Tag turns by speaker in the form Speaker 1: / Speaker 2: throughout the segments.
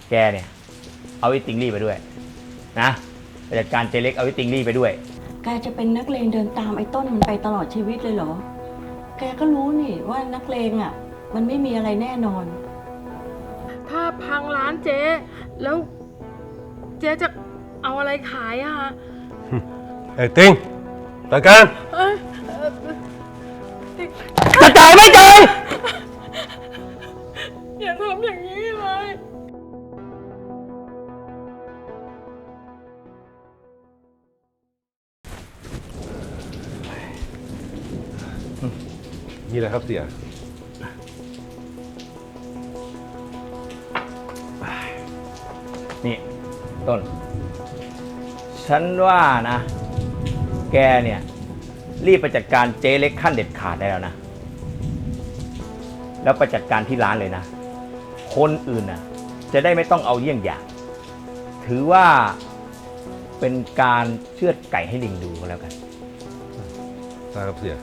Speaker 1: แกเนี่ยเอาไอ้ติงลี่ไปด้วยนะไปจัดการเจเล็กเอาไอ้ติงลี่ไปด้วย
Speaker 2: แกจะเป็นนักเลงเดินตามไอ้ต้นมันไปตลอดชีวิตเลยเหรอแกก็รู้นี่ว่านักเลงอ่ะมันไม่มีอะไรแน่นอน
Speaker 3: ถ้าพังร้านเจ๊แล้วเจ๊จะเอาอะไรขายอะคะ
Speaker 4: ไอ้ติงจัดการ
Speaker 1: จะจ่ายไม่จ่าย
Speaker 3: อย่าทำอย่างนี้เลย
Speaker 4: นี่แหละครับเสีย
Speaker 1: นี่ต้นฉันว่านะแกเนี่ยรีบไปจัดการเจเล็กขั้นเด็ดขาดได้แล้วนะแล้วไปจัดการที่ร้านเลยนะคนอื่นน่ะจะได้ไม่ต้องเอาเยี่ยงอย่างถือว่าเป็นการเชือดไก่ให้ลิงดูก็แล้วกัน
Speaker 4: ได้ครับเสีย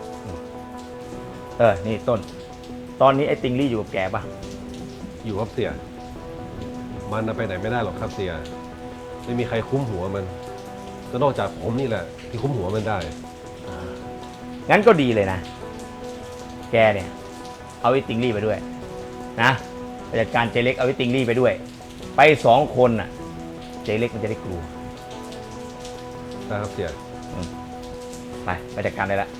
Speaker 1: นี่ต้นตอนนี้ไอ้ติงลี่อยู่กับแกปะ
Speaker 4: อยู่ครับเสียมันไปไหนไม่ได้หรอกครับเสียไม่มีใครคุ้มหัวมันก็นอกจากผมนี่แหละที่คุ้มหัวมันได้
Speaker 1: งั้นก็ดีเลยนะแกเนี่ยเอาไอ้ติงลี่ไปด้วยนะไปจัดการเจเล็กเอาไอ้ติงลี่ไปด้วยไป2 คนน่ะเจเล็กมันจะได้กลัว
Speaker 4: ได้ครับเสีย
Speaker 1: ไปจัดการได้ละ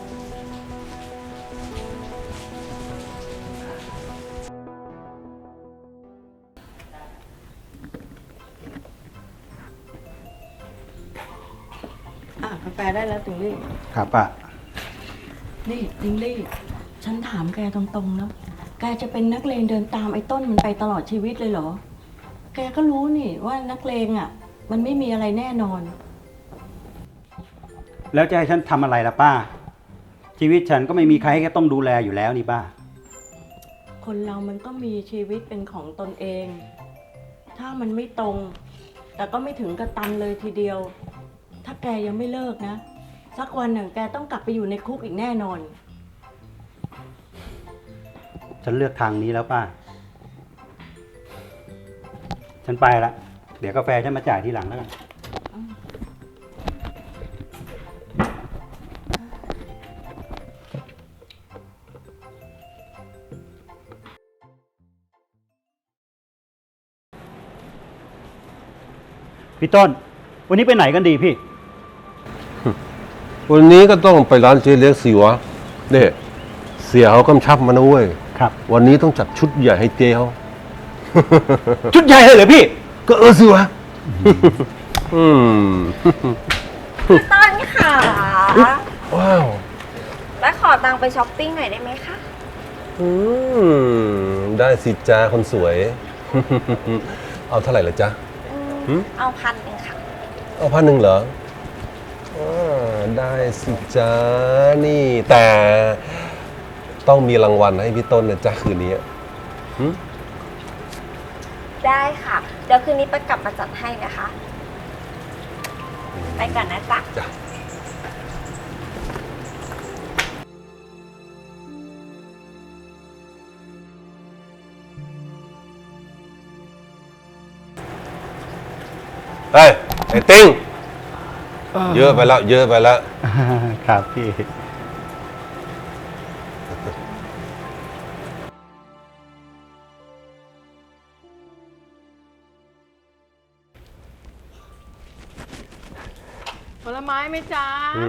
Speaker 2: กาแฟได้แล้วติงลี่
Speaker 5: ครับป้า
Speaker 2: นี่ติงลี่ฉันถามแกตรงๆแล้วแกจะเป็นนักเลงเดินตามไอ้ต้นมันไปตลอดชีวิตเลยเหรอแกก็รู้นี่ว่านักเลงอ่ะมันไม่มีอะไรแน่นอน
Speaker 5: แล้วจะให้ฉันทำอะไรล่ะป้าชีวิตฉันก็ไม่มีใครให้แกต้องดูแลอยู่แล้วนี่ป้า
Speaker 2: คนเรามันก็มีชีวิตเป็นของตนเองถ้ามันไม่ตรงแต่ก็ไม่ถึงกระตันเลยทีเดียวถ้าแกยังไม่เลิกนะสักวันหนึ่งแกต้องกลับไปอยู่ในคุกอีกแน่นอน
Speaker 5: ฉันเลือกทางนี้แล้วป้าฉันไปละเดี๋ยวกาแฟฉันมาจ่ายทีหลังแล้วกันพี่ต้นวันนี้ไปไหนกันดีพี่
Speaker 4: วันนี้ก็ต้องไปร้านเจ๊เล็กสิวะเนี่ยเสียเขากำชับมานะเว้ย
Speaker 5: ครับ
Speaker 4: วันนี้ต้องจัดชุดใหญ่ให้เจ๊เขา
Speaker 5: ชุดใหญ่เลยเหรอพี่
Speaker 4: ก็สิวะ
Speaker 6: พี่ต้นค่ะ
Speaker 4: ว้าว
Speaker 6: แล้วขอตังค์ไปช้อปปิ้งหน่อยได้ไหมคะ
Speaker 4: ได้สิจ้าคนสวยเอาเท่าไหร่ละจ๊ะ
Speaker 6: เอา1,000ค่ะ
Speaker 4: เอา1,000เหรอได้สิจ้านี่แต่ต้องมีรางวัลให้พี่ต้นนะจ๊ะคืนนี้
Speaker 6: ได้ค่ะเดี๋ยวคืนนี้ไปกลับมาจัดให้นะคะไปก่อนนะจ๊ะ
Speaker 4: จ้ะเฮ้ยไอ้ติ้งเยอะไปแล้วเยอะไปแล้ว
Speaker 5: ครับพี่
Speaker 3: ผลไม้ไหมจ๊ะ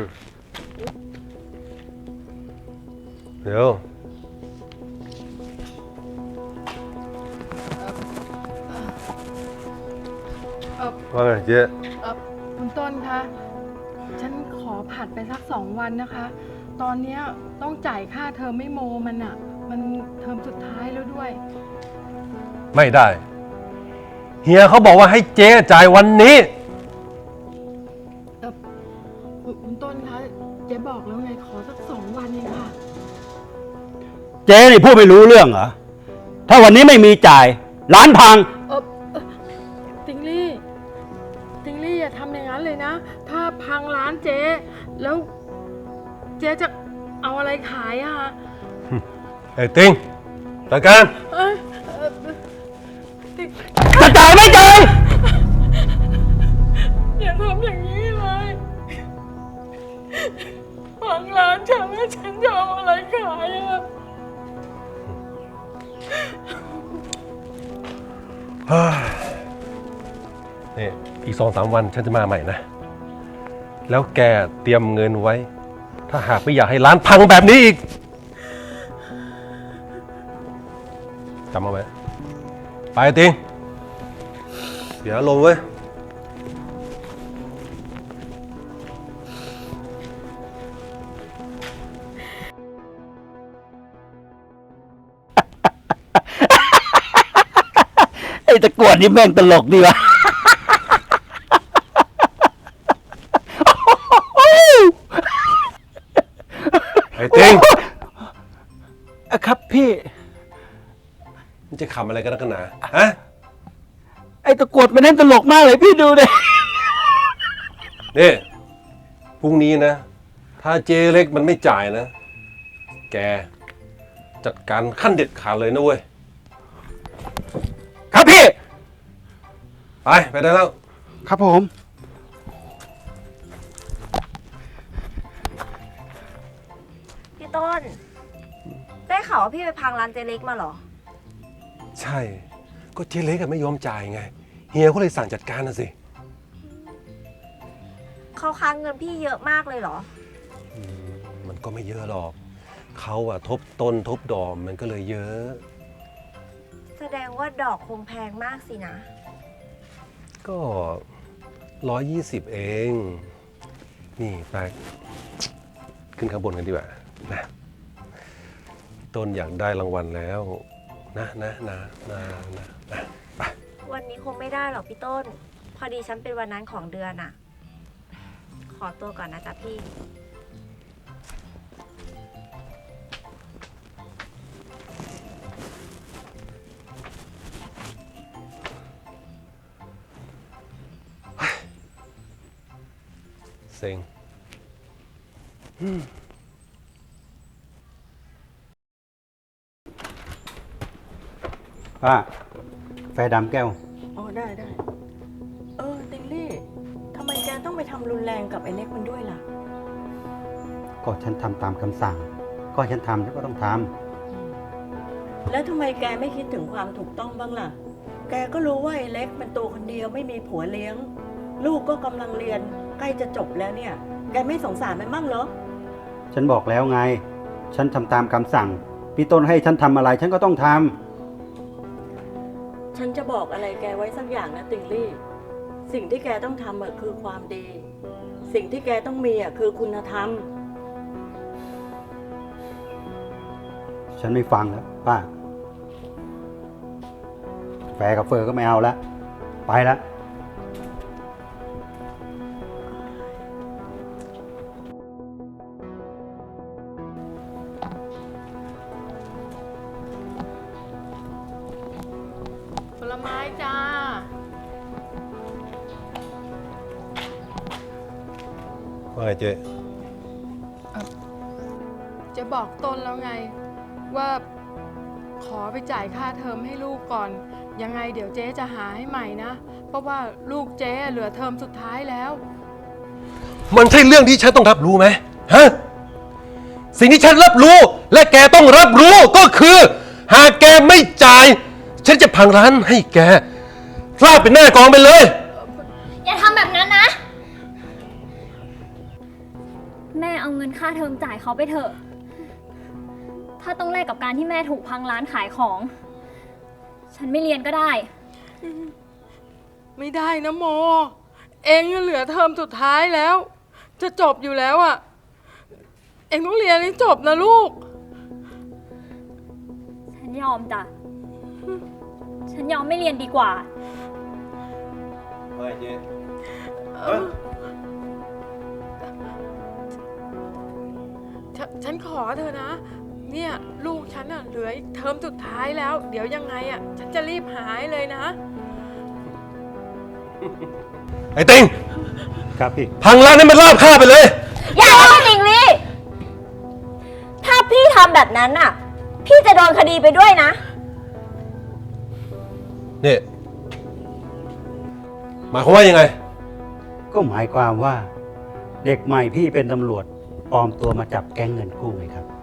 Speaker 4: เดี๋ยวว่าไงเจ๊
Speaker 3: คุณต้นคะฉันขอผัดไปสัก2 วันนะคะตอนนี้ต้องจ่ายค่าเทอมไม่โมมันอ่ะมันเทอมสุดท้ายแล้วด้วย
Speaker 4: ไม่ได้เฮียเขาบอกว่าให้เจ๊จ่ายวันนี้
Speaker 3: คุณต้นคะเจ๊บอกแล้วไงขอสัก2 วันเองค่ะ
Speaker 5: เจ๊นี่พูดไม่รู้เรื่องเหรอถ้าวันนี้ไม่มีจ่ายร้านพัง
Speaker 3: ติงลี่อย่าทำอย่างนั้นเลยนะถ้าพังร้านเจ๊แล้วเจ๊จะเอาอะไรขายอะคะ
Speaker 4: ไอ้ติงจัดการ
Speaker 3: ติ
Speaker 5: จะจ่ายไม่จ่าย
Speaker 3: อย่าทำอย่างนี้เลยพังร้านฉันแล้วฉันจะเอาอะไรขายอ่ะ
Speaker 4: นี่อีก2-3 วันฉันจะมาใหม่นะ แล้วแกเตรียมเงินไว้ ถ้าหากไม่อยากให้ร้านพังแบบนี้อีกจำเอาไว้ ไปติงเดี๋ยวลงเว้ย
Speaker 5: ไอ้ตะกรวดนี่แม่งตลกดีวะ
Speaker 4: ไอ้ติง
Speaker 5: ครับพี่
Speaker 4: มันจะขำอะไรกันนักกันหนาฮะ
Speaker 5: ไอ้ตะกรวดมันเล่นตลกมากเลยพี่ดูดิ
Speaker 4: นี่พรุ่งนี้นะ ถ้าเจเล็กมันไม่จ่ายนะ แกจัดการขั้นเด็ดขาดเลยนะเว้ย
Speaker 5: ครับพี่
Speaker 4: ไปได้แล้ว
Speaker 5: ครับผม
Speaker 6: พี่ต้น ได้ข่าวว่าพี่ไปพังร้านเจเล็กมาเหรอ
Speaker 4: ใช่ ก็เจเล็กไม่ยอมจ่ายไง เฮียก็เลยสั่งจัดการนะสิ
Speaker 6: เขาค้างเงินพี่เยอะมากเลยเหรอ
Speaker 4: มันก็ไม่เยอะหรอก เขาอะทบต้นทบดอกมันก็เลยเยอะ
Speaker 6: แสดงว่าดอกคงแพงมากสินะ
Speaker 4: ก็120เอง นี่ไปขึ้นข้างบนกันดีกว่านะต้นอยากได้รางวัลแล้วนะไป
Speaker 6: วันนี้คงไม่ได้หรอกพี่ต้น พอดีฉันเป็นวันนั้นของเดือนอะขอตัวก่อนนะจ๊ะพี่
Speaker 4: เซ็ง
Speaker 5: ป้าแฟดำแก้ว
Speaker 2: อ๋อได้ติงลี่ทำไมแกต้องไปทำรุนแรงกับไอ้เน็กมันด้วยล่ะ
Speaker 5: ก็ฉันทำตามคำสั่ง ก็ฉันทำฉันก็ต้องท
Speaker 2: แล้วทำไมแกไม่คิดถึงความถูกต้องบ้างล่ะ แกก็รู้ว่าไอ้เล็กมันตัวคนเดียวไม่มีผัวเลี้ยง ลูกก็กำลังเรียนใกล้จะจบแล้วเนี่ย แกไม่สงสารมันบ้างเหรอ
Speaker 5: ำฉันบอกแล้วไง ฉันทำตามคำสั่ง พี่ต้นให้ฉันทำอะไรฉันก็ต้องทำ
Speaker 2: ฉันจะบอกอะไรแกไว้สักอย่างนะติงลี่ สิ่งที่แกต้องทำคือความดี สิ่งที่แกต้องมีคือคุณธรรม
Speaker 5: ฉันไม่ฟังแล้วป้า แฟกับเฟอร์ก็ไม่เอาแล้ว ไปแล้ว
Speaker 3: ผลไม้จ้า
Speaker 4: ว่าไงเจ๊
Speaker 3: จะบอกต้นแล้วไง ว่าขอไปจ่ายค่าเทอมให้ลูกก่อน ยังไงเดี๋ยวเจ๊จะหาให้ใหม่นะ เพราะว่าลูกเจ๊เหลือเทอมสุดท้ายแล้ว
Speaker 4: มันใช่เรื่องที่ฉันต้องรับรู้ไหมฮะ สิ่งที่ฉันรับรู้และแกต้องรับรู้ก็คือ หากแกไม่จ่าย ฉันจะพังร้านให้แกราบเป็นหน้ากองไปเลย
Speaker 7: อย่าทำแบบนั้นนะ แม่เอาเงินค่าเทอมจ่ายเขาไปเถอะ ถ้าต้องแลกกับการที่แม่ถูกพังร้านขายของ ฉันไม่เรียนก็ได้
Speaker 3: ไม่ได้นะโม เองเหลือเทอมสุดท้ายแล้ว จะจบอยู่แล้วอ่ะ เองต้องเรียนให้จบนะลูก
Speaker 7: ฉันยอมจ้ะ ฉันยอมไม่เรียนดีกว่า
Speaker 4: ไม่เจ๊
Speaker 3: ฉันขอเธอนะ เนี่ยลูกฉันอ่ะเหลืออีกเทอมสุดท้ายแล้ว เดี๋ยวยังไงอ่ะ ฉันจะรีบหายเลยนะ
Speaker 4: ไอ้ติง
Speaker 5: ครับพี่
Speaker 4: พังร้านให้มันราบคาบไปเลย
Speaker 6: อย่านะติงลี่ ถ้าพี่ทำแบบนั้นน่ะ พี่จะโดนคดีไปด้วยนะ
Speaker 4: เนี่ยหมายความว่ายังไง
Speaker 5: ก็หมายความว่า เด็กใหม่พี่เป็นตำรวจปลอมตัวมาจับแก๊งเงินกู้ไงครับ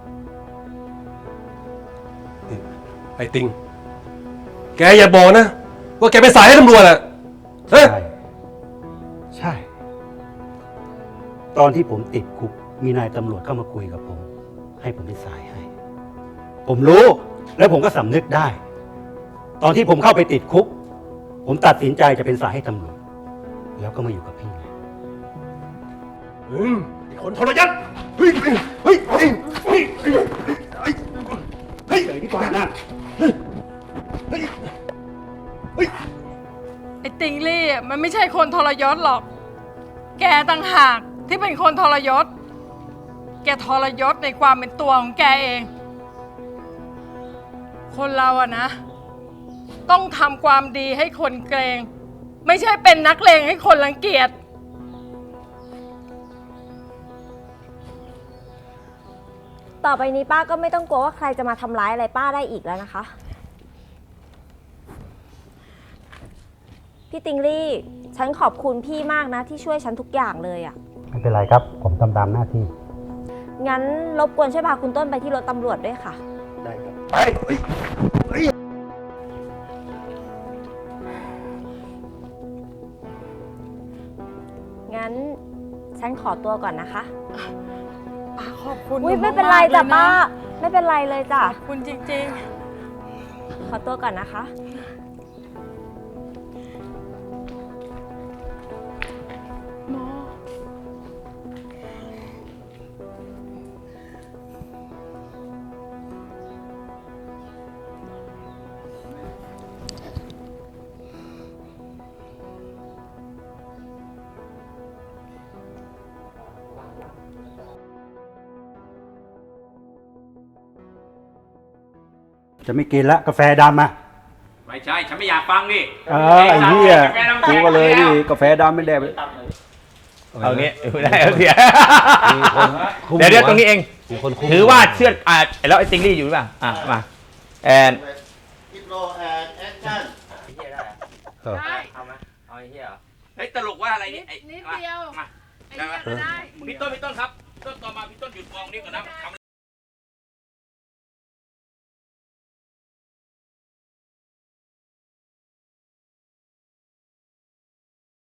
Speaker 4: ไอ้ติง แกอย่าบอกนะ ว่าแกเป็นสายให้ตำรวจอะฮะ
Speaker 5: ใช่ ใช่ ตอนที่ผมติดคุก มีนายตำรวจเข้ามาคุยกับผม ให้ผมเป็นสายให้ ผมรู้แล้วผมก็สำนึกได้ ตอนที่ผมเข้าไปติดคุก ผมตัดสินใจจะเป็นสายให้ตำรวจ แล้วก็มาอยู่กับพี่ไง
Speaker 4: ไอ้คนทรยศเฮ้ย เฮ้ย เฮ้ย เฮ้ย เฮ้ย เฮ้ย เฮ้ย
Speaker 5: เฮ้ยดีกว่านะ
Speaker 4: เฮ้ย เฮ้ย เฮ้ย
Speaker 3: ไอ้ติงลี่อะมันไม่ใช่คนทรยศหรอก แกต่างหากที่เป็นคนทรยศ แกทรยศในความเป็นตัวของแกเอง คนเราอะนะ ต้องทำความดีให้คนเกรง ไม่ใช่เป็นนักเลงให้คนรังเกียจ
Speaker 6: ต่อไปนี้ป้าก็ไม่ต้องกลัวว่าใครจะมาทำร้ายอะไรป้าได้อีกแล้วนะคะ พี่ติงลี่ ฉันขอบคุณพี่มากนะที่ช่วยฉันทุกอย่างเลยอะ
Speaker 5: ไม่เป็นไรครับ ผมทำตามหน้าที่
Speaker 6: งั้นรบกวนช่วยพาคุณต้นไปที่รถตำรวจด้วยค่ะ
Speaker 5: ได้ครับ
Speaker 4: ไปเฮ้ย เฮ้ย
Speaker 6: งั้นฉันขอตัวก่อนนะคะ
Speaker 3: ป้าขอบคุณ
Speaker 6: อุ้ย
Speaker 3: ห
Speaker 6: ไม่เป็นไรจ้ะ
Speaker 3: กๆลย
Speaker 6: ป้า ไม่เป็นไรเลยจ้ะ
Speaker 3: ขอบคุณจริง
Speaker 6: ขอตัวก่อนนะคะ
Speaker 3: ๆหมอ
Speaker 5: จะไม่กินละกาแฟดำอ่ะ
Speaker 1: ไม่ใช่ ฉันไม่อยากฟังนี่
Speaker 5: ไอ้เหี้ยกูก็เลยนี่กาแฟดำไม่ได้ไป
Speaker 1: เอางี้ได้เอาเสีย
Speaker 4: มีคนคุม
Speaker 1: เดี๋ยวตรงนี้เอง
Speaker 4: มีคนคุม
Speaker 1: ถือว่าเชื่อแล้วไอ้ติงลี่อยู่หรือเปล่ามาแอน
Speaker 8: อิโรแอนแอคชั่น
Speaker 4: เออ
Speaker 3: ได้
Speaker 1: เอาไหมเอาไอ้เหี้ยเฮ้ยตลกว่าอะไรนี่
Speaker 3: นิดเดียว
Speaker 1: มา
Speaker 3: ไอ้เนี่ยก็ได้
Speaker 1: พี่ต้นครับพี่ต้นต่อมาพี่ต้นหยุดมองนี่ก่อนนะทำ